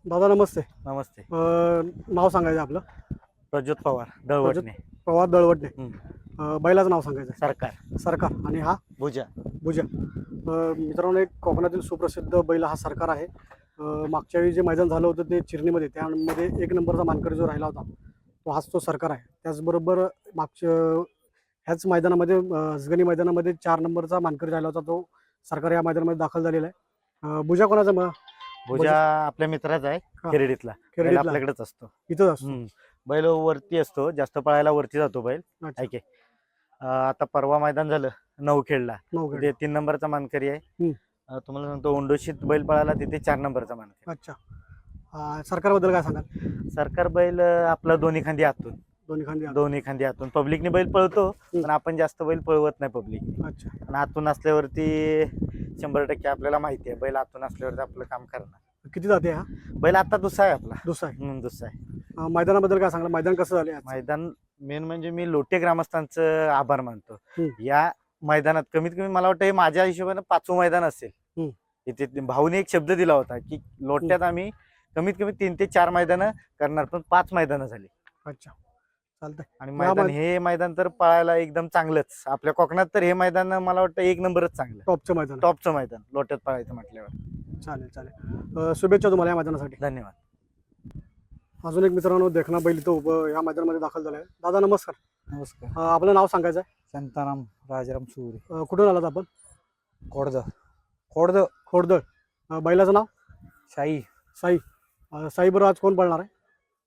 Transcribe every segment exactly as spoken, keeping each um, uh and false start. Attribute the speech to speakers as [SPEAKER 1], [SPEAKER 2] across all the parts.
[SPEAKER 1] दादा नमस्ते.
[SPEAKER 2] नमस्ते.
[SPEAKER 1] अ, नाव सांगायचं आपलं.
[SPEAKER 2] प्रज्योत पवार दळवटणे.
[SPEAKER 1] प्रवाद दळवटणे.
[SPEAKER 2] हम्म.
[SPEAKER 1] अ, बैलाचं नाव सांगायचं.
[SPEAKER 2] सरकार.
[SPEAKER 1] सरकार. आणि हा
[SPEAKER 2] भुजा.
[SPEAKER 1] भुजा. अ, मित्रांनो, एक कोकणातील सुप्रसिद्ध बैल हा सरकार आहे. अ, मागच्या वेळी जे मैदान झालं होतं ते चिरणीमध्ये, त्यामध्ये एक नंबरचा मानकरी जो राहिला होता तो हाच तो सरकार आहे. त्याचबरोबर मागच्या ह्याच मैदानामध्ये अ, हसगणी मैदानामध्ये चार नंबरचा मानकरी राहिला होता तो सरकार या मैदानामध्ये दाखल झालेला आहे. अ, भुजा कोणाचा मग?
[SPEAKER 2] भुजा आपल्या मित्राचा आहे.
[SPEAKER 1] हा.
[SPEAKER 2] खेरडीतला. बैल
[SPEAKER 1] खेरडीतला.
[SPEAKER 2] आपल्याकडेच असतो.
[SPEAKER 1] इथंच असतो.
[SPEAKER 2] हम्म. बैल वरती असतो, जास्त पळायला वरती जातो बैल.
[SPEAKER 1] अच्छा.
[SPEAKER 2] ऐके आता परवा मैदान झालं नऊ खेळला,
[SPEAKER 1] नऊ
[SPEAKER 2] ते तीन नंबरचा मानकरी आहे.
[SPEAKER 1] हम्म.
[SPEAKER 2] अं, तुम्हाला सांगतो उंडोशीत बैल पळाला तिथे चार नंबरचा मानकरी.
[SPEAKER 1] अच्छा. अ, सरकारबद्दल काय सांगाल?
[SPEAKER 2] सरकार बैल अं, आपला दोन्ही खांदी आतून
[SPEAKER 1] दोन्ही खांदी आत.
[SPEAKER 2] दोन्ही खांदी आतून पब्लिकने बैल पळतो, पण आपण जास्त बैल पळवत नाही पब्लिक.
[SPEAKER 1] अच्छा.
[SPEAKER 2] आणि आतून असल्यावरती शंभर टक्के आपल्याला माहिती आहे बैल आतून असल्यावरती आपलं काम करणार.
[SPEAKER 1] किती जाते हा?
[SPEAKER 2] बैल आता दुसरा आहे आपला.
[SPEAKER 1] दुसरा आहे.
[SPEAKER 2] हम्म, दुसरा आहे.
[SPEAKER 1] अ, मैदानाबद्दल काय सांगाल? मैदान कसं झालं आज?
[SPEAKER 2] मैदान मेन म्हणजे मी लोटे ग्रामस्थांचं आभार मानतो.
[SPEAKER 1] हम्म.
[SPEAKER 2] या मैदानात कमीत कमी मला वाटतं हे माझ्या हिशोबाने पाचवं मैदान असेल.
[SPEAKER 1] हम्म.
[SPEAKER 2] इथे भाऊने एक शब्द दिला होता की लोट्यात आम्ही कमीत कमी तीन ते चार मैदानं करणार, पण पाच मैदानं झाली.
[SPEAKER 1] अच्छा. चालतंय.
[SPEAKER 2] आणि
[SPEAKER 1] या
[SPEAKER 2] मैदान
[SPEAKER 1] मै-
[SPEAKER 2] हे मैदान तर पळायला एकदम चांगलंच. आपल्या कोकणात तर हे मैदान मला वाटतं एक नंबरच चांगलं,
[SPEAKER 1] टॉपचं मैदान.
[SPEAKER 2] टॉपचं मैदान लोट्यात पळायचं म्हटल्यावर.
[SPEAKER 1] चालेल चालेल. अ, शुभेच्छा तुम्हाला या मैदानासाठी.
[SPEAKER 2] धन्यवाद.
[SPEAKER 1] अजून एक मित्रांनो देखना बैल इथं उभं या मैदानामध्ये दाखल झालाय. दादा नमस्कार.
[SPEAKER 3] नमस्कार.
[SPEAKER 1] अ, आपलं नाव सांगायचं आहे.
[SPEAKER 3] शांताराम राजाराम सुरे.
[SPEAKER 1] अ, कुठून आलात आपण?
[SPEAKER 3] खोडद खोडद
[SPEAKER 1] खोडदळ. अ, बैलाचं नाव?
[SPEAKER 3] शाही
[SPEAKER 1] साई. अ, साई बरोबर आज कोण पळणार आहे?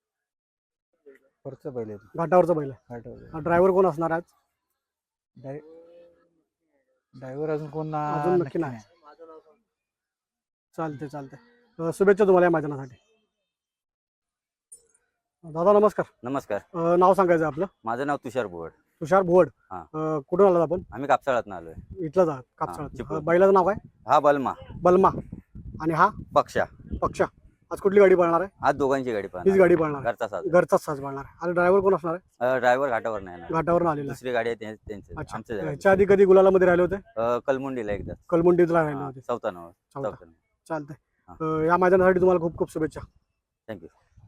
[SPEAKER 3] वरचं पहिले
[SPEAKER 1] घाटावरचा बैल आहे. ड्रायव्हर कोण असणार आहे आज?
[SPEAKER 3] ड्रायव्हर अजून कोण ना-
[SPEAKER 1] अजून नक्की नाही. चालते चालते. अ, शुभेच्छा तुम्हाला या मैदानासाठी. दादा नमस्कार.
[SPEAKER 4] नमस्कार.
[SPEAKER 1] अ, नाव सांगायचं आहे आपलं.
[SPEAKER 4] माझं नाव तुषार भुवड.
[SPEAKER 1] तुषार भुवड.
[SPEAKER 4] हा.
[SPEAKER 1] अ, कुठून आलात आपण?
[SPEAKER 4] आम्ही कापसाळातनं आलोय.
[SPEAKER 1] इथलाच आहात कापसाळात.
[SPEAKER 4] चिपळूण.
[SPEAKER 1] अ, बैलाचं नाव काय?
[SPEAKER 4] हा बलमा
[SPEAKER 1] बलमा. आणि हा
[SPEAKER 4] पक्षा.
[SPEAKER 1] पक्षा. आज कुठली गाडी पळणार आहे?
[SPEAKER 4] आज दोघांची गाडी
[SPEAKER 1] हीच
[SPEAKER 4] पाहणार.
[SPEAKER 1] गाडी पळणार आहे.
[SPEAKER 4] घरचा साज.
[SPEAKER 1] घरचाच साज पळणार आहे. आणि ड्रायव्हर कोण असणार आहे?
[SPEAKER 4] ड्रायव्हर घाटावर नाही येणार.
[SPEAKER 1] घाटावरून आलेला आहे.
[SPEAKER 4] दुसरी गाडी आहे त्यां- त्यांची
[SPEAKER 1] अच्छा.
[SPEAKER 4] आमच्या जागी.
[SPEAKER 1] ह्याच्या आधी कधी गुलालामध्ये राहिले होते?
[SPEAKER 4] अं, कलमुंडीला एकदा.
[SPEAKER 1] कलमुंडीतला राहिले
[SPEAKER 4] हा,
[SPEAKER 1] होते.
[SPEAKER 4] चौथा नंबर.
[SPEAKER 1] चौथा.
[SPEAKER 4] चौथा.
[SPEAKER 1] चालतंय.
[SPEAKER 4] हा.
[SPEAKER 1] अ, या मैदानासाठी तुम्हाला खूप खूप शुभेच्छा.
[SPEAKER 4] थँक्यू.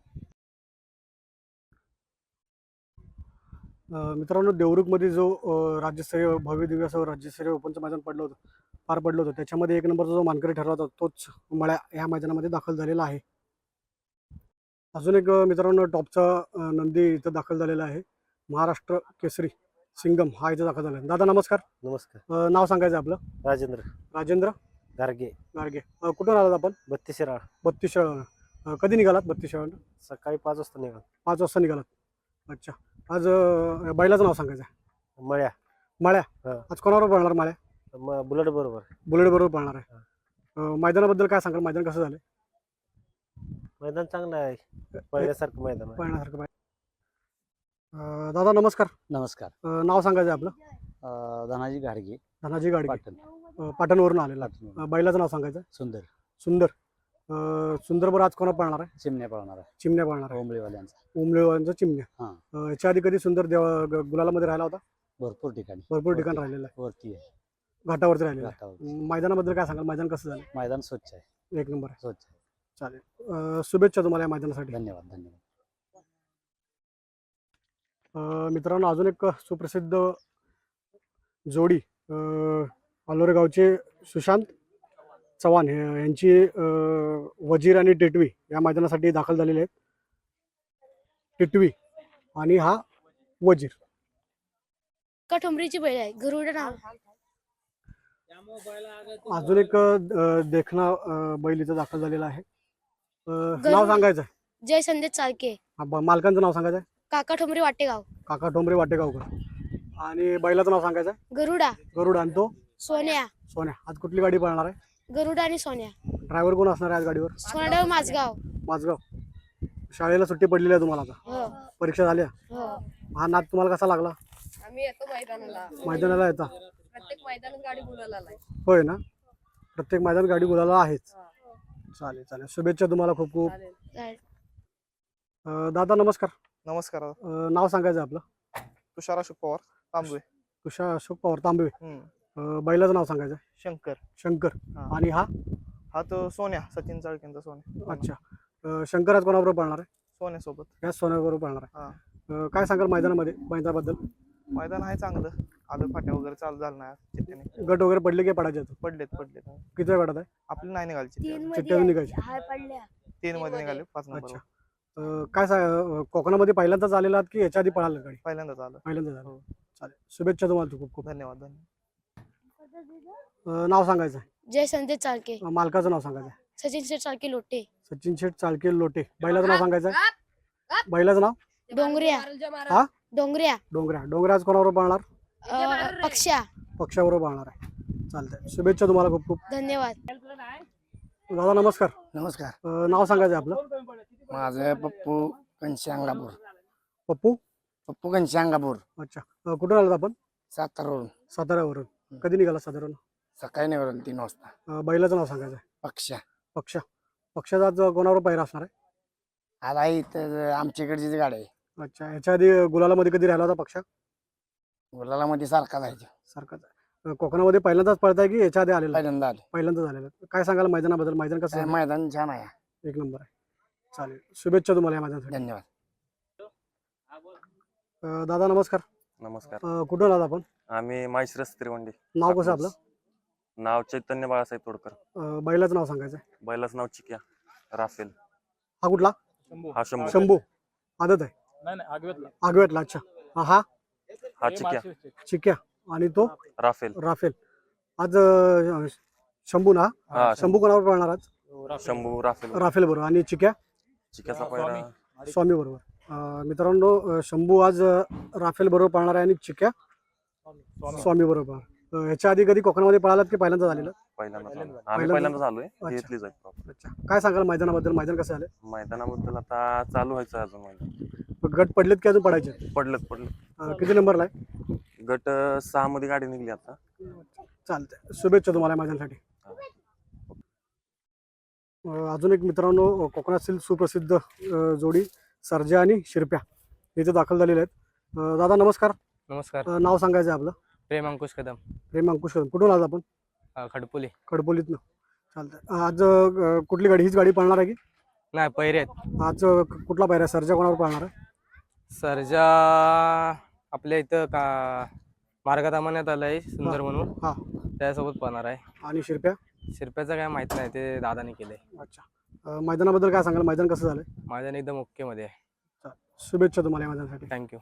[SPEAKER 1] अ, मित्रांनो, देवरुखमध्ये जो अ, राज्यस्तरीय भव्य दिव्य असं राज्यस्तरीय ओपनचं मैदान पडलं होतं पार पडलं होतं, त्याच्यामध्ये एक नंबरचा जो मानकरी ठरला होता तोच मळ्या या मैदानामध्ये दाखल झालेला आहे. अजून एक अ, मित्रांनो टॉपचा अ, नंदी इथं दाखल झालेला आहे. महाराष्ट्र केसरी सिंगम हा इथं दाखल झाला आहे. दादा नमस्कार.
[SPEAKER 2] नमस्कार.
[SPEAKER 1] अ, नाव सांगायचं आपलं.
[SPEAKER 2] राजेंद्र
[SPEAKER 1] राजेंद्र
[SPEAKER 2] गारगे.
[SPEAKER 1] गारगे. अ, कुठून आलात आपण?
[SPEAKER 2] बत्तीस शिराळ.
[SPEAKER 1] बत्तीस शाळा. कधी निघालात? बत्तीस शाळा
[SPEAKER 2] सकाळी पाच वाजता निघाल.
[SPEAKER 1] पाच वाजता निघालात. अच्छा. आज अ, बैलाचं नाव सांगायचं आहे.
[SPEAKER 2] मळ्या.
[SPEAKER 1] माळ्या.
[SPEAKER 2] हा.
[SPEAKER 1] आज कोणावर पळणार माळ्या?
[SPEAKER 2] बुलेट बरोबर.
[SPEAKER 1] बुलेट बरोबर पळणार आहे. अ, मैदानाबद्दल काय सांगाल? मैदान कसं झालं?
[SPEAKER 2] मैदान चांगलं आहे, पहिल्यासारखं मैदान आहे.
[SPEAKER 1] पळण्यासारखं पाहिजे. अ, दादा नमस्कार.
[SPEAKER 3] नमस्कार.
[SPEAKER 1] अ, नाव सांगायचं आहे आपलं.
[SPEAKER 3] अं, धनाजी गाडगे
[SPEAKER 1] धनाजी गाडगे.
[SPEAKER 3] पाटण.
[SPEAKER 1] अ, पाटणवरून आलेला. अ, बैलाचं नाव सांगायचं आहे.
[SPEAKER 3] सुंदर
[SPEAKER 1] सुंदर. अ, सुंदर बरं आज कोणा पळणार आहे?
[SPEAKER 3] चिमण्या पळणार आहे.
[SPEAKER 1] चिमण्या पळणार आहे.
[SPEAKER 3] ओंबळीवाल्यांचा.
[SPEAKER 1] उमलेवांचा चिमण्या.
[SPEAKER 3] हा.
[SPEAKER 1] अ, याच्या आधी कधी सुंदर देवा ग- गुलालामध्ये राहिला होता?
[SPEAKER 3] भरपूर ठिकाणी
[SPEAKER 1] भरपूर ठिकाण
[SPEAKER 3] वरती-
[SPEAKER 1] राहिलेला आहे.
[SPEAKER 3] वरती आहे.
[SPEAKER 1] घाटावरती राहिलेला आहे.
[SPEAKER 3] घाटावर.
[SPEAKER 1] मैदानाबद्दल काय सांगाल? मैदान कसं झालं?
[SPEAKER 3] मैदान स्वच्छ आहे.
[SPEAKER 1] एक नंबर आहे.
[SPEAKER 3] स्वच्छ आहे.
[SPEAKER 1] चालेल. अ, शुभेच्छा तुम्हाला या मैदानासाठी.
[SPEAKER 3] धन्यवाद. धन्यवाद.
[SPEAKER 1] अ, मित्रांनो, अजून एक सुप्रसिद्ध जोडी अ, अलोरे गावचे सुशांत चव्हाण हे- यांची अ, वजीर आणि टिटवी या मैदानासाठी दाखल झालेले आहेत. टिटवी आणि हा वजीर.
[SPEAKER 5] का ठोंबरीची बैल आहे गरुड नाव.
[SPEAKER 1] अजून एक अ, देखना अ, बैल इथं दाखल झालेला आहे. अ, नाव सांगायचं आहे.
[SPEAKER 5] जय संदेश चालके.
[SPEAKER 1] हा, ब- मालकांचं नाव सांगायचं आहे.
[SPEAKER 5] काका ठोंबरी वाटेगाव.
[SPEAKER 1] काका ठोंबरे वाटेगावकर. आणि बैलाचं नाव सांगायचं आहे.
[SPEAKER 5] गरुडा.
[SPEAKER 1] गरुड. आणि तो
[SPEAKER 5] सोन्या.
[SPEAKER 1] सोन्या. आज कुठली गाडी पळणार आहे?
[SPEAKER 5] गरुडा आणि सोन्या.
[SPEAKER 1] ड्रायव्हर कोण असणार आहे आज गाडीवर?
[SPEAKER 5] सोनाडाव माझगाव.
[SPEAKER 1] माझगाव. शाळेला सुट्टी पडलेली आहे तुम्हाला आता?
[SPEAKER 5] हो
[SPEAKER 1] परीक्षा झाल्या?
[SPEAKER 5] हो.
[SPEAKER 1] हा नाद तुम्हाला कसा लागला?
[SPEAKER 6] आम्ही येतो मैदानाला.
[SPEAKER 1] मैदानाला येता?
[SPEAKER 6] प्रत्येक मैदानात गाडी बोलायला आलाय.
[SPEAKER 1] होय ना. प्रत्येक मैदान गाडी बोलायला आहेच. चालेल चालेल. शुभेच्छा तुम्हाला खूप खूप.
[SPEAKER 6] चालेल.
[SPEAKER 5] चालेल.
[SPEAKER 1] अ, दादा नमस्कार.
[SPEAKER 7] नमस्कार.
[SPEAKER 1] अ, नाव सांगायचं आपलं.
[SPEAKER 7] तुषार अशोक पवार तांबवे.
[SPEAKER 1] तुषार अशोक पवार तांबवे.
[SPEAKER 7] हम्म.
[SPEAKER 1] अ, बैलाचं नाव सांगायचं आहे.
[SPEAKER 7] शंकर.
[SPEAKER 1] शंकर.
[SPEAKER 7] हा.
[SPEAKER 1] आणि हा?
[SPEAKER 7] हा तो सोन्या सचिन चाळकेंचा सोन्या.
[SPEAKER 1] अच्छा. अं, शंकर आज कोणाबरोबर पळणार आहे?
[SPEAKER 7] सोन्यासोबत
[SPEAKER 1] या सोन्याबरोबर पळणार
[SPEAKER 7] हा.
[SPEAKER 1] आहे. अं, काय सांगाल मैदानामध्ये मैदानाबद्दल?
[SPEAKER 7] मैदान आहे चांगलं. आलं फाट्या वगैरे चालू झालं नाही चिठ्ठ्याने.
[SPEAKER 1] गट वगैरे पडले की पडायचे आहेत?
[SPEAKER 7] पडलेत पडलेत
[SPEAKER 1] किती वेळ गटात आहे?
[SPEAKER 7] आपली नाही निघाली चिठ्ठी अजून.
[SPEAKER 1] चिठ्ठ्यातून निघायची.
[SPEAKER 7] तीन मध्ये निघाले पाच नंबर
[SPEAKER 1] अच्छा. अं, काय सा- कोकणामध्ये पहिल्यांदाच आलेला आहात की याच्या आधी पळाला गाडी?
[SPEAKER 7] पहिल्यांदाच आलं.
[SPEAKER 1] पहिल्यांदा झालं.
[SPEAKER 7] हो.
[SPEAKER 1] चालेल, शुभेच्छा तुम्हाला खूप खूप.
[SPEAKER 7] धन्यवाद धन्यवाद
[SPEAKER 1] अं, नाव सांगायचं आहे.
[SPEAKER 5] जय संजय चाळके,
[SPEAKER 1] अं, मालकाचं नाव सांगायचं आहे.
[SPEAKER 5] सचिन शेठ चाळके लोटे,
[SPEAKER 1] सचिन शेठ चाळके लोटे. बैलाचं नाव सांगायचं आहे. बैलाचं नाव
[SPEAKER 5] डोंगऱ्या
[SPEAKER 1] हा?
[SPEAKER 5] डोंगऱ्या
[SPEAKER 1] डोंगऱ्या. डोंगऱ्या आज कोणाबरोबर पळणार?
[SPEAKER 5] अं, पक्षा.
[SPEAKER 1] पक्षाबरोबर पळणार आहे. चालतंय, शुभेच्छा तुम्हाला खूप खूप.
[SPEAKER 5] धन्यवाद.
[SPEAKER 1] दादा नमस्कार.
[SPEAKER 8] नमस्कार.
[SPEAKER 1] अं, नाव सांगायचं आहे आपलं.
[SPEAKER 8] माझं पप्पू घनश्यामगापूर.
[SPEAKER 1] पप्पू.
[SPEAKER 8] पप्पू घनश्यामगापूर
[SPEAKER 1] अच्छा. अं, कुठून आलात आपण?
[SPEAKER 8] सातारावरून.
[SPEAKER 1] साताऱ्यावरून. कधी निघाला साताऱ्यावरून?
[SPEAKER 8] सकाळी निघालो तीन वाजता.
[SPEAKER 1] अं, बैलाचं नाव सांगायचं आहे.
[SPEAKER 8] पक्षा.
[SPEAKER 1] पक्ष. पक्षाचा आज कोणाबरोबर पहिरा असणार आहे?
[SPEAKER 8] आला इथं आमच्या इकडचीच गाडी आहे.
[SPEAKER 1] अच्छा. ह्याच्या आधी गुलालामध्ये कधी राहिला होता पक्ष?
[SPEAKER 8] गुलाला मध्ये सारखा जायचं.
[SPEAKER 1] सारखाच आहे. अं, कोकणामध्ये पहिल्यांदाच पळताय की याच्या आधी आलेला?
[SPEAKER 8] पहिल्यांदा आले.
[SPEAKER 1] पहिल्यांदा झालेलं आहे. काय सांगाल मैदानाबद्दल? मैदान कसं
[SPEAKER 8] काय
[SPEAKER 1] झालं?
[SPEAKER 8] मैदान छान आहे.
[SPEAKER 1] एक नंबर आहे. चालेल, शुभेच्छा तुम्हाला या मैदानासाठी.
[SPEAKER 8] धन्यवाद.
[SPEAKER 1] अं, दादा नमस्कार.
[SPEAKER 9] नमस्कार.
[SPEAKER 1] अं, कुठून आला आपण?
[SPEAKER 9] आम्ही माळशिरस त्रिवंडी.
[SPEAKER 1] नाव कसं आपलं?
[SPEAKER 9] नाव चैतन्य बाळासाहेब तोडकर.
[SPEAKER 1] अं, बैलाचं नाव सांगायचं आहे.
[SPEAKER 9] बैलाचं नाव चिक्या राफेल.
[SPEAKER 1] हा कुठला?
[SPEAKER 9] हा शंभू.
[SPEAKER 1] शंभू. आदत आहे. आगवेतला. अच्छा. हा हा
[SPEAKER 9] हा चिक्या
[SPEAKER 1] चिक्या आणि तो
[SPEAKER 9] राफेल.
[SPEAKER 1] राफेल. आज अं, शंभू ना?
[SPEAKER 9] हा
[SPEAKER 1] शंभू कोणावर पळणार आज?
[SPEAKER 9] शंभू राफेल.
[SPEAKER 1] राफेल बरोबर. आणि चिक्या
[SPEAKER 9] चिक्याचा पहिला
[SPEAKER 1] स्वामी बरोबर. अं, मित्रांनो, अं, शंभू आज अं, राफेल बरोबर पळणार आहे आणि चिक्या स्वामी बरोबर. अं, ह्याच्या आधी कधी कोकणामध्ये पळालात की पहिल्यांदा झालेलं?
[SPEAKER 9] पहिल्यांदा झालं. आम्ही
[SPEAKER 1] पहिल्यांदा-
[SPEAKER 9] पहिल्यांदा झालोय.
[SPEAKER 1] अच्छा.
[SPEAKER 9] घेतलीच आहे प्रॉपर.
[SPEAKER 1] अच्छा. काय सांगाल मैदानाबद्दल? मैदान कसं झालं?
[SPEAKER 9] मैदानाबद्दल आता चालू व्हायचं आहे अजून मैदान.
[SPEAKER 1] गट पडलेत की अजून पडायचे?
[SPEAKER 9] पडलं पडलं.
[SPEAKER 1] अं, किती नंबरला आहे?
[SPEAKER 9] गट सहा मध्ये गाडी निघली आता.
[SPEAKER 1] चालतंय, शुभेच्छा तुम्हाला मैदानासाठी. अं, अजून एक मित्रांनो, अं, कोकणातील सुप्रसिद्ध अं, जोडी सर्जा आणि शिरप्या इथे दाखल झालेले आहेत. अं, दादा नमस्कार.
[SPEAKER 10] नमस्कार.
[SPEAKER 1] अं, नाव सांगायचं आहे आपलं.
[SPEAKER 10] प्रेम अंकुश कदम,
[SPEAKER 1] प्रेम अंकुश कदम. कुठून आला आपण?
[SPEAKER 10] अ, खडपोली.
[SPEAKER 1] खडपोलीतनं. चालतंय. आज अं, कुठली गाडी? हीच गाडी पळणार आहे की?
[SPEAKER 10] नाही पैरे आहेत.
[SPEAKER 1] आज अं, कुठला पायऱ्या? सर्जा कोणावर पळणार आहे?
[SPEAKER 10] सर्जा आपल्या इथं का मार्गात आमान्यात आलाय सुंदर म्हणून,
[SPEAKER 1] हा.
[SPEAKER 10] त्यासोबत पाहणार आहे.
[SPEAKER 1] आणि शिरप्या?
[SPEAKER 10] शिरप्याचं काय माहित नाही, ते दादाने केलंय.
[SPEAKER 1] अच्छा. अं, मैदानाबद्दल काय सांगाल? मैदान कसं झालं?
[SPEAKER 10] माझ्या एकदम ओके मध्ये आहे.
[SPEAKER 1] शुभेच्छा तुम्हाला या मैदानासाठी.
[SPEAKER 10] थँक्यू.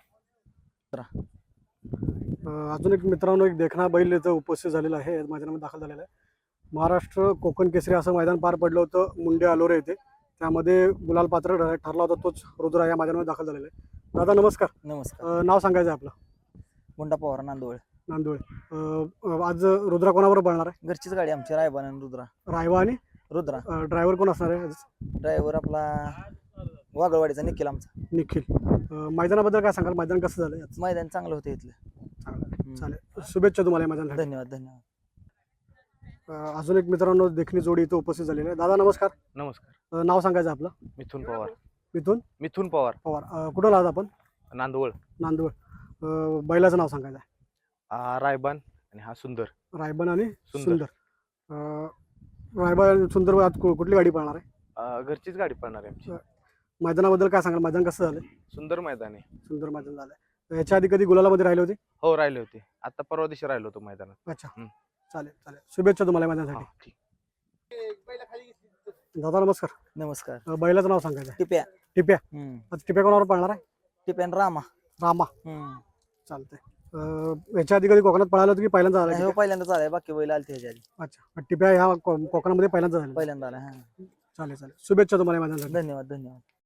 [SPEAKER 1] अं, अजून एक मित्रांनो, एक देखणा बैल इथं उपस्थित झालेला आहे, या मैदानामध्ये दाखल झालेला आहे. महाराष्ट्र कोकण केसरी असं मैदान पार पडलं होतं मुंडे अलोरे येथे. त्यामध्ये गुलाल पात्र ठर- ठरला होता तोच रुद्रा या मैदानामध्ये दाखल झालेला आहे. दादा नमस्कार.
[SPEAKER 3] नमस्कार.
[SPEAKER 1] अं, नाव सांगायचं आहे आपलं.
[SPEAKER 3] गुंडा पवार नांदोळ.
[SPEAKER 1] नांदोळे. अं, आज रुद्रा कोणाबरोबर पळणार आहे?
[SPEAKER 3] घरचीच गाडी आमची रायबान आणि रुद्रा.
[SPEAKER 1] रायवा. आणि
[SPEAKER 3] रुद्रा
[SPEAKER 1] ड्रायव्हर कोण असणार आहे आज?
[SPEAKER 3] ड्रायव्हर आपला वागळवाडीचा निखिल आमचा.
[SPEAKER 1] निखिल. अं, मैदानाबद्दल काय सांगाल? मैदान कसं झालं आज?
[SPEAKER 3] मैदान चांगलं होतं इथलं.
[SPEAKER 1] चांगलं. चालेल, शुभेच्छा तुम्हाला या मैदानासाठी.
[SPEAKER 3] धन्यवाद धन्यवाद.
[SPEAKER 1] अं, अजून एक मित्रांनो, देखणी जोडी इथं उपस्थित झालेली आहे. दादा नमस्कार.
[SPEAKER 10] नमस्कार.
[SPEAKER 1] अं, नाव सांगायचं आपलं.
[SPEAKER 10] मिथुन पवार.
[SPEAKER 1] मिथून
[SPEAKER 10] मिथुन पवार,
[SPEAKER 1] पवार. अं, कुठं आहात आपण?
[SPEAKER 10] नांदवळ.
[SPEAKER 1] नांदवळ. अं, बैलाचं नाव सांगायचं आहे.
[SPEAKER 10] हा रायबान आणि हा सुंदर.
[SPEAKER 1] रायबन आणि
[SPEAKER 10] सुंदर.
[SPEAKER 1] सुंदर. अं, रायबन आणि सुंदर आज कु- कुठली गाडी पळणार आहे?
[SPEAKER 10] अ, घरचीच गाडी पडणार आहे आमची.
[SPEAKER 1] मैदानाबद्दल काय सांगाल? मैदान कसं झालं?
[SPEAKER 10] सुंदर मैदान आहे.
[SPEAKER 1] सुंदर मैदान झालं. याच्या आधी कधी गुलालामध्ये राहिले होते?
[SPEAKER 10] हो राहिले होते, आता परवा दिवशी राहिलो होतो मैदानात.
[SPEAKER 1] अच्छा.
[SPEAKER 10] हं.
[SPEAKER 1] चालेल चालेल, शुभेच्छा तुम्हाला या
[SPEAKER 10] हा,
[SPEAKER 1] मैदानासाठी.
[SPEAKER 10] ठीक.
[SPEAKER 1] दादा नमस्कार.
[SPEAKER 3] नमस्कार.
[SPEAKER 1] अं, बैलाचं नाव सांगायचं आहे.
[SPEAKER 3] टिप्या.
[SPEAKER 1] टिप्या.
[SPEAKER 3] हम्म.
[SPEAKER 1] आज टिप्या कोणावर पळणार आहे?
[SPEAKER 3] टिप्यान रामा.
[SPEAKER 1] रामा.
[SPEAKER 3] हम्म.
[SPEAKER 1] चालतंय. अं, याच्या आधी कधी कोकणात पळालं होतं की पहिल्यांदा झालं?
[SPEAKER 3] नाही, हो
[SPEAKER 1] टिप्या?
[SPEAKER 3] पहिल्यांदा चालाय, बाकी बैल आलते ह्याच्या आधी.
[SPEAKER 1] अच्छा. टिप्या ह्या को- कोकणामध्ये पहिल्यांदा झालं.
[SPEAKER 3] पहिल्यांदा आला. हा.
[SPEAKER 1] चालेल चालेल, शुभेच्छा तुम्हाला या मैदानासाठी.
[SPEAKER 3] धन्यवाद धन्यवाद.